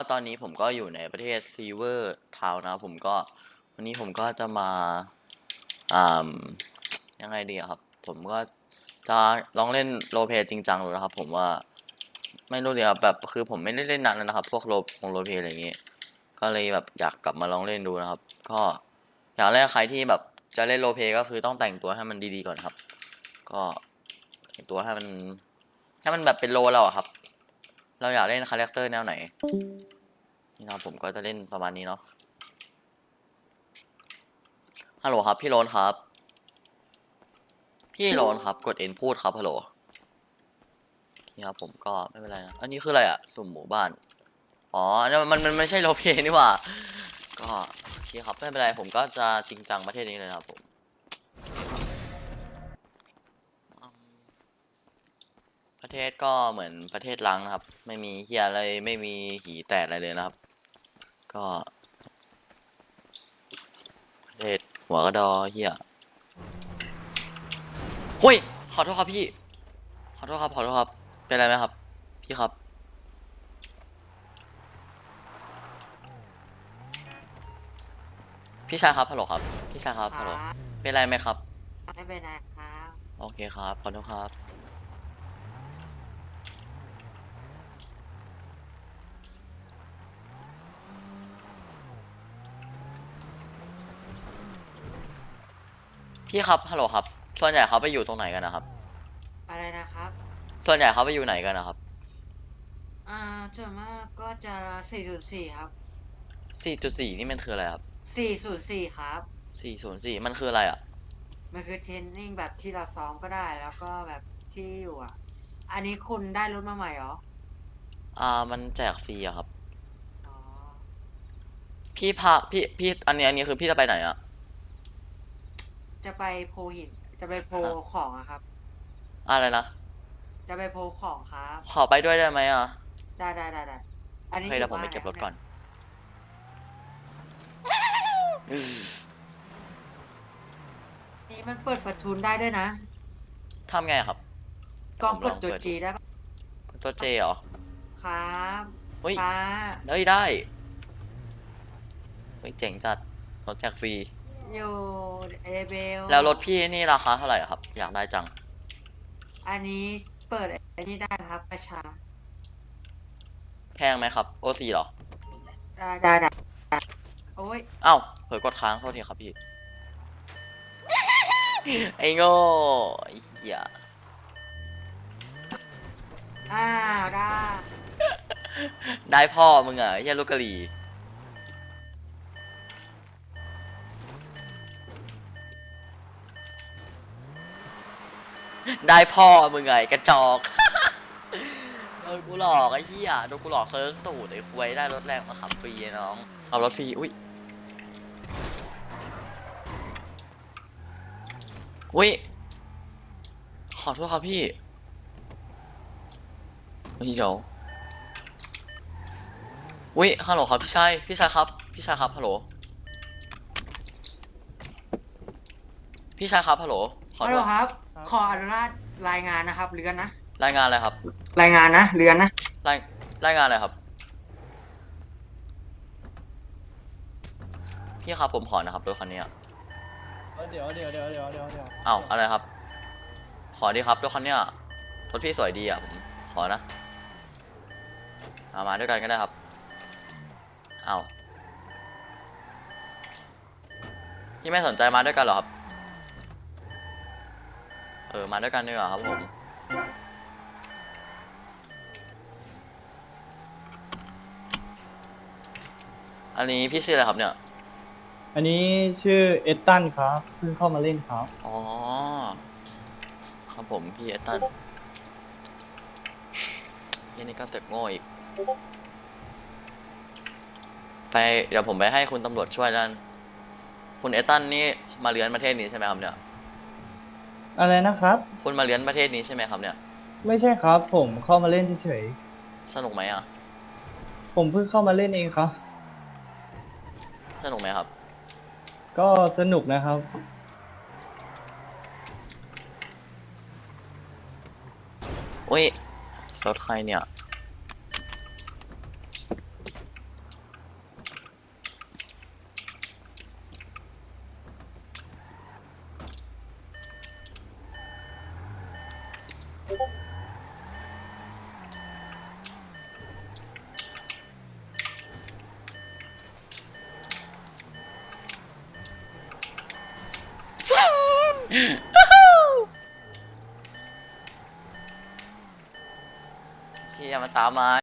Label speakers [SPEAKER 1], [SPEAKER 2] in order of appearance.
[SPEAKER 1] ตอนนี้ผมก็อยู่ในประเทศซีเวอร์ทาวน์นะผมก็วันนี้ผมก็จะมาอ่ายังไงดีครับผมก็จะลองเล่นโรลเพลย์จริงจังดูนะครับผมว่าไม่รู้เดียวแบบคือผมไม่ได้เล่นนานแล้วนะครับพวกโรลเพลย์อะไรอย่างงี้ก็เลยแบบอยากกลับมาลองเล่นดูนะครับก็อย่างแรกใครที่แบบจะเล่นโรลเพลย์ก็คือต้องแต่งตัวให้มันดีๆก่อนครับก็แต่งตัวให้มันแบบเป็นโรเราอะครับเราอยากเล่นคาแรคเตอร์แนวไหนนี่นะผมก็จะเล่นประมาณนี้เนาะฮัลโหลครับพี่โรนครับพี่โรนครับกดเอ็นพูดครับฮัลโหลนี่ครับผมก็ไม่เป็นไรนะอันนี้คืออะไรอะสุ่มหมู่บ้านอ๋อเนี่ยมันไม่ใช่โรลเพลย์นี่หว่าก็โอเคครับไม่เป็นไรผมก็จะจริงจังประเทศนี้เลยนะครับผมประเทศก็เหมือนประเทศล้างนะครับไม่มีเฮียอะไรไม่มีหีแตกอะไรเลยนะครับก็ประเทศหัวกระดอเฮียเฮ้ยขอโทษครับพี่ขอโทษครับขอโทษครับเป็นไรไหมครับพี่ครับพี่ชายครับฮัลโหลครับพี่ชายครับ
[SPEAKER 2] ครั
[SPEAKER 1] ฮัลโหล
[SPEAKER 2] บ
[SPEAKER 1] เป็นไรไหมครับ
[SPEAKER 2] ไม่เป็นไรครับ
[SPEAKER 1] โอเคครับขอโทษครับพี่ครับฮัลโหลครับส่วนใหญ่เขาไปอยู่ตรงไหนกันนะครับ
[SPEAKER 2] อะไรนะครับ
[SPEAKER 1] ส่วนใหญ่เขาไปอยู่ไหนกันนะครับ
[SPEAKER 2] อ่าส่วนมากก็จะ404ครับ
[SPEAKER 1] 4.4นี่มันคืออะไรครับ
[SPEAKER 2] 404ครับ
[SPEAKER 1] 404มันคืออะไรอ่ะ
[SPEAKER 2] มันคือเทรนนิ่งแบบที่เราซ้อมก็ได้แล้วก็แบบที่อยู่อ่ะอันนี้คุณได้รถมาใหม่เหรอ
[SPEAKER 1] มันแจกฟรีอะครับ
[SPEAKER 2] อ๋อ
[SPEAKER 1] พี่พาพี่อันนี้คือพี่จะไปไหนอะ
[SPEAKER 2] จะไปโพหินจะไปโพ
[SPEAKER 1] ฮะ
[SPEAKER 2] ของอะครับ
[SPEAKER 1] อะไรนะ
[SPEAKER 2] จะไปโพของครับ
[SPEAKER 1] ขอไปด้วยได้ไหมอะ
[SPEAKER 2] ได้อัน
[SPEAKER 1] โอ
[SPEAKER 2] นี้อยู่
[SPEAKER 1] เคเดี๋ยวผมไป
[SPEAKER 2] บ้านอะไรครับเนี่ย
[SPEAKER 1] เก็บรถก่อน
[SPEAKER 2] นี่มันเปิดประทุนได้ด้วยนะ
[SPEAKER 1] ทำไงครับเดี๋ยวผม
[SPEAKER 2] กล้องกดตัว
[SPEAKER 1] ลองเปิดดู
[SPEAKER 2] จีได้ปะ
[SPEAKER 1] กดตัวเจเหรอ
[SPEAKER 2] ครับ
[SPEAKER 1] เฮ้ย
[SPEAKER 2] ป้า
[SPEAKER 1] ได้เฮ้ยเจ๋งจัดรถแจกฟรี
[SPEAKER 2] อยู่เอเบล
[SPEAKER 1] แล้วรถพี่นี่ราคาเท่าไหร่อะครับอยากได้จัง
[SPEAKER 2] อันนี้เปิดอันนี้ได้ครับประชา
[SPEAKER 1] แพงไหมครับโอซีเหรอ
[SPEAKER 2] ได้โอ้ย
[SPEAKER 1] เอ้าเผลอกดค้างโทษทีครับพี่ไอ้โง่ไอ้เหี้ย
[SPEAKER 2] อ้าวได้
[SPEAKER 1] ได้พ่อมึงอะไอ้เหี้ยลูกกะหรี่ได้พ่อมึงไงกระจอก โดนกูหลอกไอ้เหี้ยโดนกูหลอกเซิร์ฟตูดไอ้ควยได้รถแรงมาขับฟรีไอ้น้องเอารถฟรีอุ้ยอุ้ยขอโทษครับพี่เฮ้ยเดี๋ยวอุ้ยฮัลโหลครับพี่ชายครับพี่ชายครับฮัลโหลพี่ชายครับฮัลโหลขอโทษ
[SPEAKER 2] ฮัลโหลครับ
[SPEAKER 3] ครับ
[SPEAKER 2] ขออนุญาตรายงานนะครับเรือนนะ
[SPEAKER 1] รายงานอะไรครับ
[SPEAKER 2] รายงานนะเรือนนะ
[SPEAKER 1] รายรายงานอะไรครับพี่ครับผมขอนะครับรถคันนี้
[SPEAKER 3] เดี๋ยว
[SPEAKER 1] เอ้าอะไรครับขอดีครับรถคันนี้รถพี่สวยดีอ่ะผมขอนะเอามาด้วยกันก็ได้ครับเอ้าพี่ไม่สนใจมาด้วยกันเหรอครับมาด้วยกันดีกว่าครับผมอันนี้พี่ชื่ออะไรครับเนี่ย
[SPEAKER 3] อันนี้ชื่อเอตตันครับเพิ่งเข้ามาเล่นครับ
[SPEAKER 1] อ๋อครับผมพี่เอตันยี่นี่ก็เต็ปโง่อีกไปเดี๋ยวผมไปให้คุณตำรวจช่วยด้านคุณเอตันนี่มาเลี้ยนประเทศนี้ใช่ไหมครับเนี่ย
[SPEAKER 3] อะไรนะครับ
[SPEAKER 1] คุณมาเลี้ยนประเทศนี้ใช่ไหมครับเนี่ย
[SPEAKER 3] ไม่ใช่ครับผมเข้ามาเล่นเฉย
[SPEAKER 1] สนุกไหมอ่ะ
[SPEAKER 3] ๆผมเพิ่งเข้ามาเล่นเองครับ
[SPEAKER 1] สนุกไหมครับ
[SPEAKER 3] ก็สนุกนะครับ
[SPEAKER 1] อุ้ยรถใครเนี่ยเชี่ยมันตามมา